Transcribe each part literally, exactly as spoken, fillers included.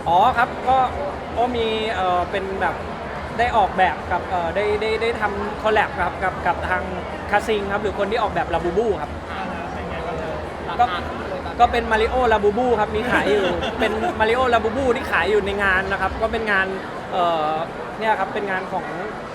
อ๋อครับก็ก็มีเอ่อเป็นแบบได้ออกแบบกับเอ่อได้ได้ได้ทำคอลแลบครับกับกับทางคาซิงครับหรือคนที่ออกแบบลาบูบูครับก็ก็เป็นมาริโอลาบูบูครับมีขายอยู่ เป็นมาริโอลาบูบูที่ขายอยู่ในงานนะครับก็เป็นงานเอ่อเนี่ยครับเป็นงานของ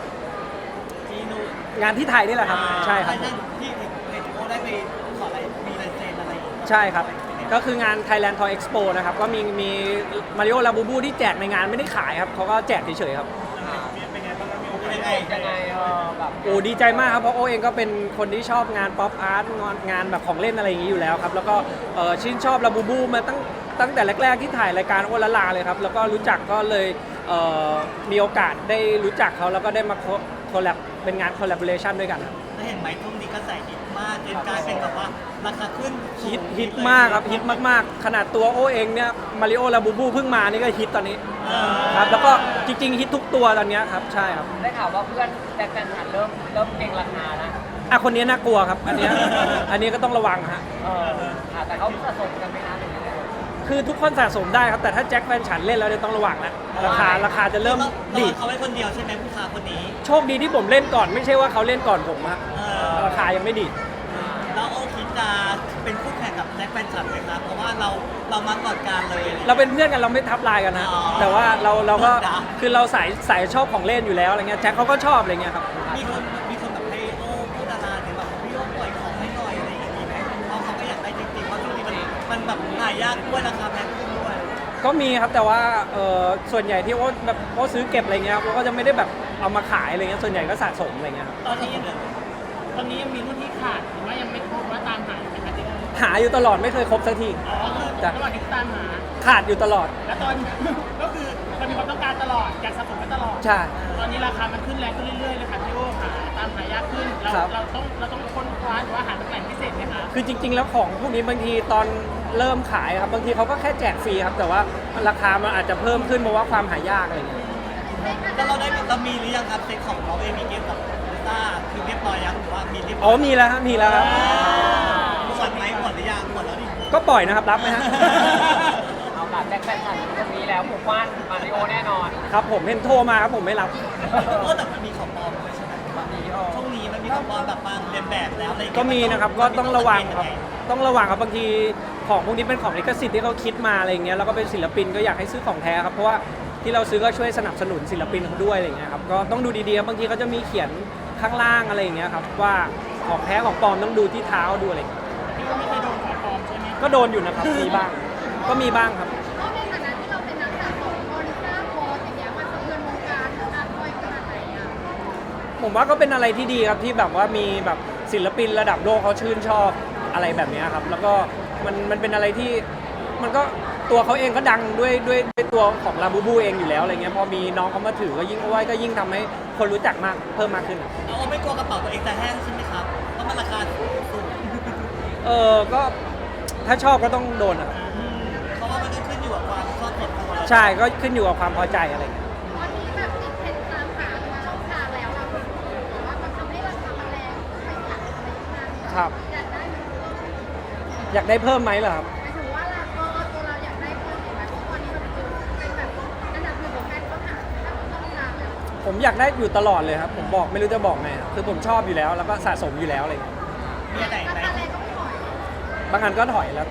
งานที่ไทยนี่แหละครับใช่ครับที่เห็นเห็นโอได้ไปขออะไรมีลายเซ็นอะไรใช่ครับก็คืองาน Thailand Toy Expo นะครับก็มีมีมาริโอลาบูบูที่แจกในงานไม่ได้ขายครับเขาก็แจกเฉยๆครับเป็นไงบ้างครับยังไงยังไงเออแบบโอ้ดีใจมากครับเพราะโอเองก็เป็นคนที่ชอบงานป๊อปอาร์ตงานงานแบบของเล่นอะไรอย่างนี้อยู่แล้วครับแล้วก็เอ่อชื่นชอบลาบูบูมาตั้งตั้งแต่แรกๆที่ถ่ายรายการโอละลาเลยครับแล้วก็รู้จักก็เลยเอ่อมีโอกาสได้รู้จักเขาแล้วก็ได้มาคอลแลบเป็นงานคอลแลบเรชันด้วยกันครับแล้วเห็นไหมช่วงนี้กระแสฮิตมากจนกลายเป็นแบบว่าราคาขึ้นฮิตฮิตมากครับฮิตมากๆขนาดตัวโอเองเนี่ยมาริโอลาบูบูเพิ่งมานี่ก็ฮิตตอนนี้ครับแล้วก็จริงๆฮิตทุกตัวตอนนี้ครับใช่ครับได้ข่าวว่าเพื่อนแจ็คแฟนฉันเริ่มเริ่มเก่งราคาแล้วอ่ะคนนี้น่ากลัวครับอันเนี้ยอันนี้ก็ต้องระวังฮะเออค่ะแต่เขาสะสมกันไหมคะหรือยังไงคือทุกคนสะสมได้ครับแต่ถ้าแจ็คแฟนฉันเล่นแล้วเนี่ยต้องระวังแล้วราคาราคาจะเริ่มดีดีดเขาไว้คนเดียวใช่ไหมผู้ค้าคนนี้โชคดีที่ผมเล่นก่อนไม่ใช่ว่าเขาเล่นก่อนผมฮะเออราคายังไม่ดีดแล้วโอคิดจะเป็นคู่แข่งกับแจ็คแฟนฉันไหมครับเพราะว่าเราเรามาก่อนการเลยเราเป็นเพื่อนกันเราไม่ทับลายกันนะอ๋อแต่ว่าเราเราก็จ้ะคือเราสายสายชอบของเล่นอยู่แล้วอะไรเงี้ยแจ็คเขาก็ชอบอะไรเงี้ยครับมีคนมีคนแบบให้โอ้พูดดาราถึงแบบพี่โอ้ปล่อยของให้หน่อยอะไรอย่างนี้ไหมเพราะเขาก็อยากได้จริงๆเพราะช่วงนี้มันมันแบบหายากด้วยราคาแพงขึ้นด้วยก็มีครับแต่ว่าเออส่วนใหญ่ที่ว่าแบบว่าซื้อเก็บอะไรเงี้ยว่าก็จะไม่ได้แบบเอามาขายอะไรเงี้ยส่วนใหญ่ก็สะสมอะไรเงี้ยครับตอนนี้ยังตอนนี้ยังมีรุ่นที่ขาดหรือว่ายังไม่ครบว่าตามหาอยู่ไหมคะที่ว่าหาอยู่ตลอดไม่เคยครบสักทีอ๋อคือจ้ะระหว่างที่ตามหาขาดอยู่ตลอดแล้วตอน ก็คือมันมีความต้องการตลอดอยากสะสมกันตลอดใช่ตอนนี้ราคามันขึ้นแรงขึ้นเรื่อยๆเลยค่ะพี่โอ้ค่ะตามหายากขึ้นเราครับเราต้องเราต้องค้นคว้าหรือว่าหาตำแหน่งพิเศษไหมคะคือจริง ๆ แล้วของพวกนี้บางทีตอนเริ่มขายครับบางทีเขาก็แค่แจกฟรีครับแต่ว่าราคามันอาจจะเพิ่มขึ้นเพราะว่าความหายากอะไรเงี้ยแล้วเราได้เรามีหรือยังครับเซ็ตของเราเองมีเกมกับลิซ่าคือเรียบร้อยยังหรือว่ามีเรียบร้อ๋ออย มีแล้วครับมีแล้วครับหมดไหมหมดหรือยังหมดแล้วดิก็ปล่อยนะครับรับไหมฮะเอาแบบแจ็คแฟนฉันตรงนี้แล้วหมู่บ้านมาริโอแน่นอนครับผมเห็นโทรมาครับผมไม่รับเออแต่มันมีของปลอมด้วยใช่ไหมมาริโอช่วงนี้มันมีของปลอมแบบมาเรียนแบบแล้วอะไรอย่างเงี้ยก็มีนะครับก็ต้องระวังครับต้องระวังครับบางทีของพวกนี้เป็นของลิขสิทธิ์ที่เขาคิดมาอะไรอย่างเงี้ยแล้วก็เป็นศิลปินก็อยากให้ซื้อของแท้ครับเพราะว่าที่เราซื้อก็ช่วยสนับสนุนศิลปินเขาด้วยอะไรอย่างเงี้ยครับก็ต้องดูดีๆครับบางทีเขาจะมีเขียนข้างล่างอะไรอย่างเงี้ยครับว่าของแท้ของปลอมต้องดูที่เท้าดูอะไรอย่างเงี้ยพี่ก็ไม่เคยโดนของปลอมใช่ไหมก็โดนอยู่นะครับมีบ้างก็มีบ้างครับเพราะในฐานะที่เราเป็นนักสะสมคนทราบโพสอย่างเงี้ยมันสะเทือนวงการการด้อยขนาดไหนอ่ะผมว่าก็เป็นอะไรที่ดีครับที่แบบว่ามีแบบศิลปินระดับโลกเขาชื่นชอบอะไรแบบนี้ครับแล้วก็มันมันเป็นอะไรที่มันก็ตัวเขาเองก็ดังด้วยด้วยด้วยตัวของลาบูบูเองอยู่แล้วอะไรเงี้ยพอมีน้องเขามาถือก็ยิ่งเอาไว้ก็ยิ่งทำให้คนรู้จักมากเพิ่มมากขึ้นเราไม่กลัวกระเป๋าตัวเองจะแห้งใช่ไหมครับเพราะมันราคาสูงเออก็ถ้าชอบก็ต้องโดนอะครับเพราะว่ามันก็ขึ้นอยู่กับความชอบส่วนตัวใช่ก็ขึ้นอยู่กับความพอใจอะไรเงี้ยตอนนี้แบบติดเทรนด์ตามหามาช่องทางแล้วเราแต่ว่ามันทำให้ราคามันแรงไม่หลักอะไรขนาดนี้ครับอยากได้ไหมอยากได้เพิ่มไหมเหรอครับหมายถึงว่าเราก็ตัวเราอยากได้เพิ่มอีกไหมเพราะตอนนี้มันเป็นแบบอันดับหนึ่งของการค้นหาถ้าช่องทางแล้วผมอยากได้อยู่ตลอดเลยครับผมบอกไม่รู้จะบอกไงครับคือผมชอบอยู่แล้วแล้วก็สะสมอยู่แล้วอะไรเงี้ยมีอะไรราไหมคาแรงก็ไม่ถอยบางอันก็ถอยแล้วแต่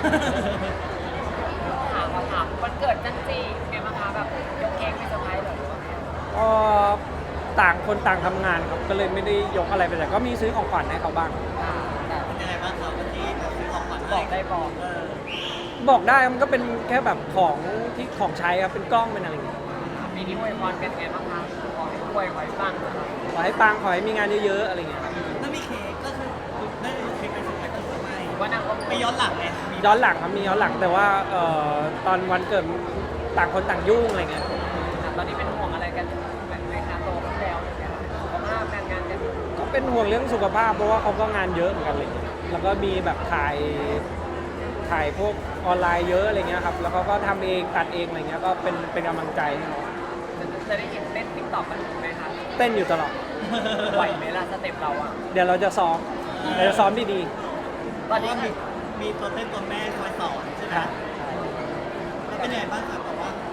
ถามมาถามวันเกิดจันจีไงบ้างคะแบบยกเค้กไปเซอร์ไพรส์เหรอหรือว่าไงก็ต่างคนต่างทำงานครับก็เลยไม่ได้ยกอะไรไปแต่ก็มีซื้อของขวัญให้เขาบ้างอ่าแต่เป็นยังไงบ้างครับวันที่เราซื้อของขวัญบให้อกได้บอกเออบอกได้มันก็เป็นแค่แบบของที่ของใช้ครับเป็นกล้องเป็นอะไรอย่างเงี้ยปีนี้อวยพรเป็นไงบ้างคะขอให้รวยขอให้ปังนะคะขอให้ปังขอให้มีงานเยอะๆอะไรเงี้ยครับถ้ามีเค้กก็คือได้เค้กไปสุดท้ายก็คือไม่หรือว่านางก็ไม่ย้อนหลังไงมีย้อนหลังครับมีย้อนหลังแต่ว่าเอ่อตอนวันเกิดต่างคนต่างยุ่งอะไรเงี้ยตอนนี้เป็นห่วงอะไรกันแบบไหมคะโตขึ้นแล้วอะไรเงี้ยสุขภาพการงานกันก็เป็นห่วงเรื่องสุขภาพเพราะว่าเขาก็งานเยอะเหมือนกันเลยแล้วก็มีแบบถ่ายถ่ายพวกออนไลน์เยอะอะไรเงี้ยครับแล้วเขาก็ทำเองตัดเองอะไรเงี้ยก็เป็นเป็นกำลังใจให้เขาจะจะได้เห็นเต้นติ๊กต็อกกันไหมคะเต้นอยู่ตลอดไหวไหมล่ะสเต็ปเราอ่ะเดี๋ยวเราจะซ้อมเราจะซ้อมดีตอนนี้ว่าคืมีอมีตัวเต้นตัวแม่คอยสอนใช่ไหมๆครับแล้วเป็นยังไงบ้างครับแบบว่า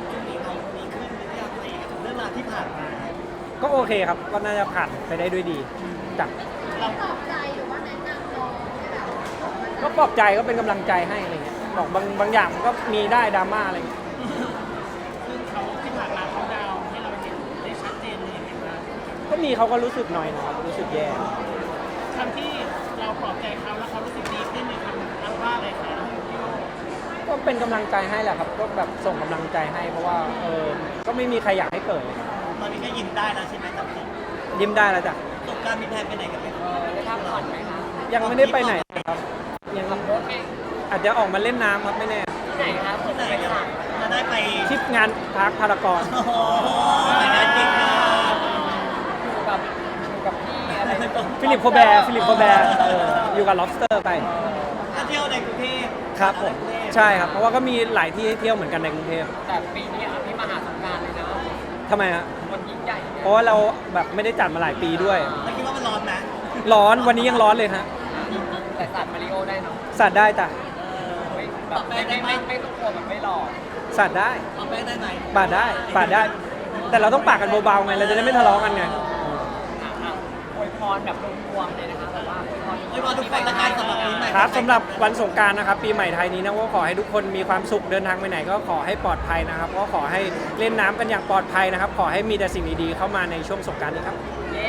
ก็โอเคครับก็น่าจะผ่านไปได้ด้วยดีจ้ะเราปลอบใจหรือว่าแนะนำน้องให้แบบก็ปลอบใจก็เป็นกำลังใจให้อะไรเงี้ยบอกบางบางอย่างมันก็มีได้ดราม่าอะไรเงี้ยซึ่งเขาที่ผ่านมาเขาดาวน์ให้เราเห็นได้ชัดเจนเลยเห็นไหมก็มีเขาก็รู้สึกหน่อยนะครับรู้สึกแย่คำที่เราปลอบใจเขาแล้วเขารู้สึกดีขึ้นในคำอันว่าอะไรคะพี่โอก็เป็นกำลังใจให้แหละครับก็แบบส่งกำลังใจให้เพราะว่าเออก็ไม่มีใครอยากให้เกิดตอนนี้ก็ยิ้มได้แล้วใช่ไหมจับจริงยิ้มได้แล้วจ้ะสงกรารมีแพลนไปไหนกันไหมเออได้พักผ่อนไหมคะยังไม่ได้ไปไหนครับยังขับรถเองอาจจะออกมาเล่นน้ำครับไม่แน่ที่ไหนคะเผื่อไหนจะไปจะสั่งจะได้ไปทริปงานพาร์คพารากอนโอ้โหไปงานจริงนะอยู่กับอยู่กับพี่อะไรนะฟิลิปโคแบร์ฟิลิปโคแบร์เอออยู่กับ lobster ไปถ้าเที่ยวในกรุงเทพครับผมใช่ครับเพราะว่าก็มีหลายที่ให้เที่ยวเหมือนกันในกรุงเทพแต่ปีนี้อ่ะพี่มาหาสงกรารเลยนะทำไมฮะมันยิ่งใหญ่เพราะว่าเราแบบไม่ได้จัดมาหลายปีด้วยแล้วคิดว่ามันร้อนไหมร้อนวันนี้ยังร้อนเลยฮะแต่สัตว์มาริโอได้เนาะสัตว์ได้จ้ะไม่แบบไม่ไม่ไม่ไม่ต้องกลัวแบบไม่หลอกสัตว์ได้เอาแป้งได้ไหมปาดได้ปาดได้ แต่เราต้องปากกันเบาๆไงเราจะได้ไม่ทะเลาะกันไงอ่ะอ่ะอวยพรแบบรวมๆเลยนะคะแบบว่าอวยพรไว้รอทุกคนละกันสำหรับปีใหม่ครับสำหรับวันสงกรานต์นะครับปีใหม่ไทยนี้นะก็ขอให้ทุกคนมีความสุขเดินทางไปไหนก็ขอให้ปลอดภัยนะครับก็ขอให้เล่นน้ำกันอย่างปลอดภัยนะครับ ขอให้มีแต่สิ่งดีๆเข้ามาในช่วงสงกรานต์นี้ครับเย้